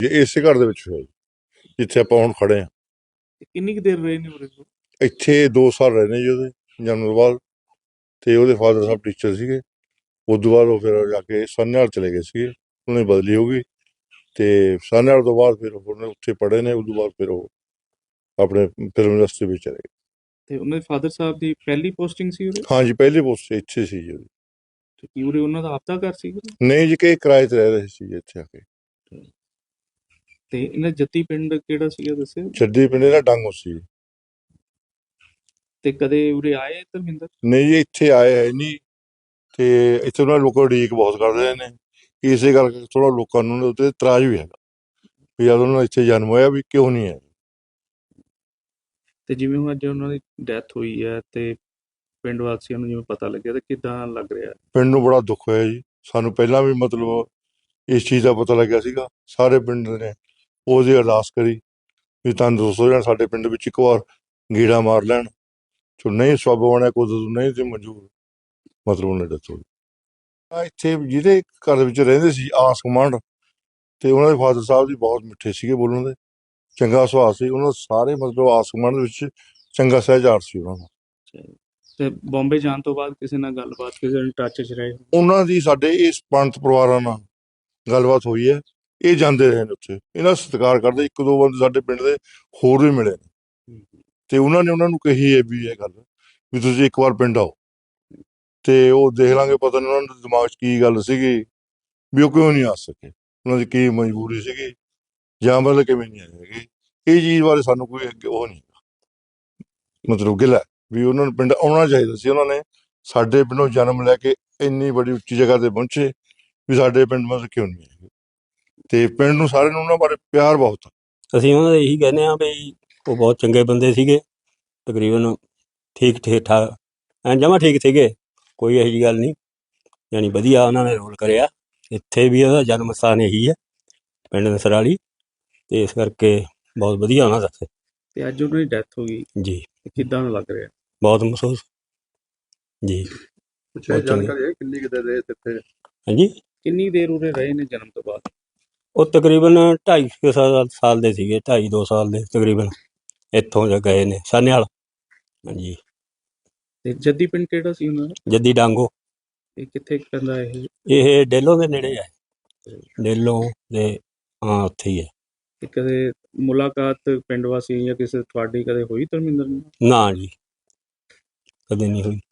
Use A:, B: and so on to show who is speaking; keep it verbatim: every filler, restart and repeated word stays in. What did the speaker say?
A: ਇਸੇ ਘਰ ਦੇ ਵਿੱਚ ਹੋਇਆ ਜੀ, ਜਿੱਥੇ ਆਪਾਂ ਹੁਣ ਖੜੇ ਹਾਂ।
B: ਕਿੰਨੀ ਕੁ ਦੇਰ ਰਹੇ ਨੇ ਉਰੇ?
A: ਇੱਥੇ ਦੋ ਸਾਲ ਰਹੇ ਨੇ ਜੀ ਉਹਦੇ ਜਨਮ ਤੋਂ ਬਾਅਦ। ਤੇ ਉਹਦੇ ਫਾਦਰ ਸਾਹਿਬ ਟੀਚਰ ਸੀਗੇ। ਉਸ ਤੋਂ ਬਾਅਦ ਉਹ ਫਿਰ ਜਾ ਕੇ ਸਾਹਨੇਵਾਲ ਚਲੇ ਗਏ ਸੀਗੇ, ਉਹਨੇ ਬਦਲੀ ਹੋ ਗਈ। ਤੇ ਸਾਹਨੇਵਾਲ ਤੋਂ ਬਾਅਦ ਫਿਰ ਉਹਨੇ ਉੱਥੇ ਪੜ੍ਹੇ ਨੇ। ਉਸ ਤੋਂ ਬਾਅਦ ਫਿਰ ਉਹ ਆਪਣੇ ਫਿਲਮ ਇੰਡਸਟਰੀ ਵਿੱਚ ਚਲੇ ਗਏ।
B: ਤੇ ਉਹਨਾਂ ਦੇ ਫਾਦਰ ਸਾਹਿਬ ਦੀ ਪਹਿਲੀ ਪੋਸਟਿੰਗ ਸੀ ਉਰੇ?
A: ਹਾਂਜੀ, ਪਹਿਲੀ ਪੋਸਟ ਇੱਥੇ ਸੀ ਜੀ ਉਹਦੀ।
B: ਤੇ ਕੀ ਉਰੇ ਉਹਨਾਂ ਦਾ ਆਪਦਾ ਘਰ ਸੀ?
A: ਨਹੀਂ ਜੀ, ਕਿ ਕਿਰਾਏ ਤੇ ਰਹਿ ਰਹੇ ਸੀ ਜੀ ਇੱਥੇ ਆ ਕੇ।
B: ਤੇ ਇਹਨਾਂ ਜੱਦੀ ਪਿੰਡ ਕਿਹੜਾ ਸੀਗਾ ਦੱਸਿਓ?
A: ਜੱਦੀ ਪਿੰਡ ਦਾ ਡਾਂਗੋ ਸੀ।
B: ਤੇ ਕਦੇ ਉਰੇ ਆਏ ਧਰਮਿੰਦਰ?
A: ਨਹੀਂ ਜੀ, ਇੱਥੇ ਆਏ ਹੈ ਨਹੀਂ। ਤੇ ਇੱਥੇ ਉਹਨਾਂ ਲੋਕਾਂ ਉਡੀਕ ਬਹੁਤ ਕਰਦੇ ਨੇ, ਇਸੇ ਕਰਕੇ ਥੋੜਾ ਲੋਕਾਂ ਨੂੰ ਉਹਦੇ ਇਤਰਾਜ਼ ਵੀ ਹੈਗਾ ਵੀ ਜਦ ਉਹਨਾਂ ਦਾ ਇੱਥੇ ਜਨਮ ਹੋਇਆ ਵੀ ਕਿਉਂ ਨਹੀਂ ਹੈ।
B: ਤੇ ਜਿਵੇਂ ਹੁਣ ਅੱਜ ਉਹਨਾਂ ਦੀ ਡੈਥ ਹੋਈ ਹੈ ਤੇ ਪਿੰਡ ਵਾਸੀਆਂ ਨੂੰ ਜਿਵੇਂ ਪਤਾ ਲੱਗਿਆ, ਤੇ ਕਿੱਦਾਂ ਲੱਗ ਰਿਹਾ?
A: ਪਿੰਡ ਨੂੰ ਬੜਾ ਦੁੱਖ ਹੋਇਆ ਜੀ। ਸਾਨੂੰ ਪਹਿਲਾਂ ਵੀ ਮਤਲਬ ਇਸ ਚੀਜ਼ ਦਾ ਪਤਾ ਲੱਗਿਆ ਸੀਗਾ। ਸਾਰੇ ਪਿੰਡ ਨੇ ਉਹਦੀ ਅਰਦਾਸ ਕਰੀ ਵੀ ਤੰਦਰੁਸਤ ਹੋ ਜਾਣ, ਸਾਡੇ ਪਿੰਡ ਵਿੱਚ ਇੱਕ ਵਾਰ ਗੀੜਾ ਮਾਰ ਲੈਣ। ਜੋ ਨਹੀਂ ਸਬੱਬ ਬਣਿਆ, ਕੁਦਰਤ ਨਹੀਂ ਸੀ ਮਨਜ਼ੂਰ, ਮਤਲਬ ਉਹਨੇ ਡੈਥ ਹੋ ਗਈ। ਆ ਇੱਥੇ ਜਿਹਦੇ ਘਰ ਦੇ ਵਿੱਚ ਰਹਿੰਦੇ ਸੀ ਆਸ ਗੁਆਂਢ, ਤੇ ਉਹਨਾਂ ਦੇ ਫਾਦਰ ਸਾਹਿਬ ਜੀ ਬਹੁਤ ਮਿੱਠੇ ਸੀਗੇ ਬੋਲਣ ਦੇ, ਚੰਗਾ ਸੁਭਾਅ ਸੀ ਉਹਨਾਂ ਦਾ। ਸਾਰੇ ਮਤਲਬ ਆਸ ਗੁਆਂਢ ਦੇ ਵਿੱਚ ਚੰਗਾ ਸਹਿਜਾਰ ਸੀ ਉਹਨਾਂ ਦਾ।
B: ਤੇ ਬੰਬੇ ਜਾਣ ਤੋਂ ਬਾਅਦ ਕਿਸੇ ਨਾਲ ਗੱਲਬਾਤ, ਕਿਸੇ ਨਾਲ ਟੱਚ 'ਚ ਰਹੇ?
A: ਉਹਨਾਂ ਦੀ ਸਾਡੇ ਇਸ ਪੰਥ ਪਰਿਵਾਰਾਂ ਨਾਲ ਗੱਲਬਾਤ ਹੋਈ ਹੈ। ਇਹ ਜਾਂਦੇ ਰਹੇ ਨੇ ਉੱਥੇ, ਇਹਨਾਂ ਸਤਿਕਾਰ ਕਰਦੇ। ਇੱਕ ਦੋ ਬੰਦੇ ਸਾਡੇ ਪਿੰਡ ਦੇ ਹੋਰ ਵੀ ਮਿਲੇ ਨੇ, ਤੇ ਉਹਨਾਂ ਨੇ ਉਹਨਾਂ ਨੂੰ ਕਹੀ ਹੈ ਵੀ ਇਹ ਗੱਲ ਵੀ ਤੁਸੀਂ ਇੱਕ ਵਾਰ ਪਿੰਡ ਆਓ ਤੇ ਉਹ ਦੇਖ ਲਾਂਗੇ। ਪਤਾ ਨਹੀਂ ਉਹਨਾਂ ਦੇ ਦਿਮਾਗ 'ਚ ਕੀ ਗੱਲ ਸੀਗੀ ਵੀ ਉਹ ਕਿਉਂ ਨਹੀਂ ਆ ਸਕੇ, ਉਹਨਾਂ ਦੀ ਕੀ ਮਜਬੂਰੀ ਸੀਗੀ, ਜਾਂ ਮਤਲਬ ਕਿਵੇਂ ਨਹੀਂ ਆਏ ਹੈਗੇ। ਇਹ ਚੀਜ਼ ਬਾਰੇ ਸਾਨੂੰ ਕੋਈ ਅੱਗੇ ਉਹ ਨਹੀਂ ਮਤਲਬ ਗਿਲਾ ਵੀ ਉਹਨਾਂ ਨੂੰ ਪਿੰਡ ਆਉਣਾ ਚਾਹੀਦਾ ਸੀ। ਉਹਨਾਂ ਨੇ ਸਾਡੇ ਪਿੰਡੋਂ ਜਨਮ ਲੈ ਕੇ ਇੰਨੀ ਬੜੀ ਉੱਚੀ ਜਗ੍ਹਾ ਤੇ ਪਹੁੰਚੇ ਵੀ ਸਾਡੇ ਪਿੰਡ ਮਤਲਬ ਕਿਉਂ ਨਹੀਂ ਹੈਗੇ। ਤੇ ਪਿੰਡ ਨੂੰ ਸਾਰਿਆਂ ਨੂੰ ਉਹਨਾਂ ਬਾਰੇ ਪਿਆਰ ਬਹੁਤ ਆ।
C: ਅਸੀਂ ਉਹਨਾਂ ਦੇ ਇਹੀ ਕਹਿੰਦੇ ਹਾਂ ਵੀ ਉਹ ਬਹੁਤ ਚੰਗੇ ਬੰਦੇ ਸੀਗੇ, ਤਕਰੀਬਨ ਠੀਕ ਠੀਕ ਠਾਕ ਐਂ ਜਮਾਂ ਠੀਕ ਸੀਗੇ, ਕੋਈ ਇਹੋ ਜਿਹੀ ਗੱਲ ਨਹੀਂ। ਯਾਨੀ ਵਧੀਆ ਉਹਨਾਂ ਨੇ ਰੋਲ ਕਰਿਆ। ਇੱਥੇ ਵੀ ਉਹਦਾ ਜਨਮ ਸਥਾਨ ਇਹੀ ਹੈ, ਪਿੰਡ ਨਸਰਾਲੀ, ਤੇ ਇਸ ਕਰਕੇ ਬਹੁਤ ਵਧੀਆ ਉਹਨਾਂ ਦਾ।
B: ਤੇ ਅੱਜ ਉਹਨਾਂ ਦੀ ਡੈਥ ਹੋ ਗਈ
C: ਜੀ,
B: ਕਿੱਦਾਂ ਲੱਗ ਰਿਹਾ?
C: ਬਹੁਤ ਮਹਿਸੂਸ ਜੀ।
A: ਜਾਣਕਾਰੀ ਹੈ ਕਿੰਨੀ ਕਿਤੇ ਰਹੇ ਇੱਥੇ?
C: ਹਾਂਜੀ,
B: ਕਿੰਨੀ ਦੇਰ ਉਰੇ ਰਹੇ ਨੇ ਜਨਮ ਤੋਂ ਬਾਅਦ?
C: ਉਹ ਤਕਰੀਬਨ ਢਾਈ ਕੁ ਸਾਲ ਸਾਲ ਦੇ ਸੀਗੇ, ਢਾਈ ਦੋ ਸਾਲ ਦੇ ਤਕਰੀਬਨ। ਇੱਥੋਂ ਜਾ ਗਏ ਨੇ ਸਾਹਨੇਵਾਲ। ਹਾਂਜੀ। ਤੇ
B: ਜੱਦੀ ਪਿੰਡ ਕਿਹੜਾ ਸੀ ਉਹਨਾਂ ਦਾ?
C: ਜੱਦੀ ਡਾਂਗੋ।
B: ਇਹ ਕਿੱਥੇ ਪੈਂਦਾ ਇਹ?
C: ਇਹ ਡੇਲੋਂ ਦੇ ਨੇੜੇ ਹੈ, ਡੇਲੋਂ ਦੇ, ਹਾਂ ਉੱਥੇ ਹੀ ਹੈ।
B: ਤੇ ਕਦੇ ਮੁਲਾਕਾਤ ਪਿੰਡ ਵਾਸੀ ਜਾਂ ਕਿਸੇ ਤੁਹਾਡੀ ਕਦੇ ਹੋਈ ਧਰਮਿੰਦਰ ਨਾਲ?
C: ਨਾ ਜੀ, ਕਦੇ ਨਹੀਂ ਹੋਈ।